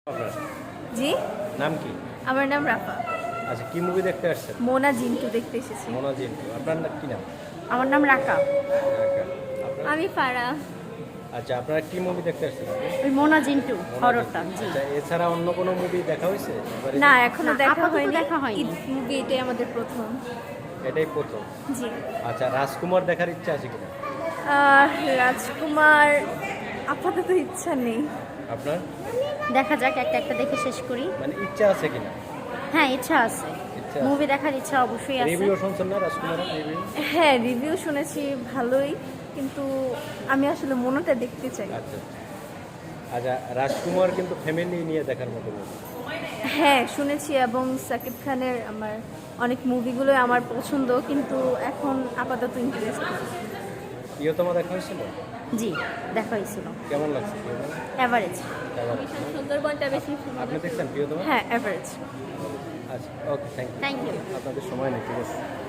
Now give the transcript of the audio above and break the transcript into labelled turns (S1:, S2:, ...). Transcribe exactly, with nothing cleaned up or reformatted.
S1: আপনার
S2: জি,
S1: নাম কি?
S2: আমার নাম রাফা।
S1: আচ্ছা, কি মুভি দেখতে আসছেন?
S2: মোনা জিন্টু দেখতে এসেছি।
S1: মোনা জিন্টু। আপনার না- কি নাম?
S2: আমার নাম রাকা।
S1: ঢাকা। আপনার?
S2: আমি ফারা।
S1: আচ্ছা, আপনারা কি মুভি দেখতে আসছেন আপনি?
S2: ওই মোনা জিন্টু
S1: মোনা
S2: হররটা।
S1: জিন্টু।
S2: জি।
S1: আচ্ছা, এছাড়া অন্য কোনো মুভি দেখা হয়েছে এবারে?
S2: না, এখনো
S3: না,
S2: দেখা
S3: আপাতত
S2: হয়নি।
S3: দেখা হয়নি।
S2: ঈদ মুভি এটাই আমাদের প্রথম।
S1: এটাই প্রথম।
S2: জি।
S1: আচ্ছা, রাজকুমার দেখার ইচ্ছা আছে কিনা
S2: আহ, রাজকুমার আপাতত ইচ্ছা নেই।
S1: আপনার?
S3: দেখা যাক, একটা একটা দেখে শেষ করি।
S1: মানে ইচ্ছা আছে কিনা?
S3: হ্যাঁ, ইচ্ছা আছে,
S1: ইচ্ছা
S3: মুভি দেখার ইচ্ছা অবশ্যই আছে।
S1: রিভিউ শুনছেন না রাজকুমারের রিভিউ?
S2: হ্যাঁ, রিভিউ শুনেছি ভালোই, কিন্তু আমি আসলে মোনাটা দেখতে চাই।
S1: আচ্ছা আচ্ছা, রাজকুমার কিন্তু ফ্যামিলি নিয়ে দেখার মতো movie।
S2: হ্যাঁ, শুনেছি, এবং সাকিব খানের আমার অনেক মুভিগুলো আমার পছন্দ, কিন্তু এখন আপাতত ইন্টারেস্ট।
S1: প্রিয়তমা দেখা হয়েছিল?
S3: জি, দেখা হয়েছিল।
S1: কেমন লাগছে প্রিয়তমা?
S3: অ্যাভারেজ।
S1: কেমন?
S2: সুন্দরবনটা বেশি
S1: আপনি দেখছেন প্রিয়তমা?
S2: হ্যাঁ, অ্যাভারেজ।
S1: আচ্ছা, okay, thank you.
S3: Thank you.
S1: আপনাদের সময় নেই, ঠিক আছে।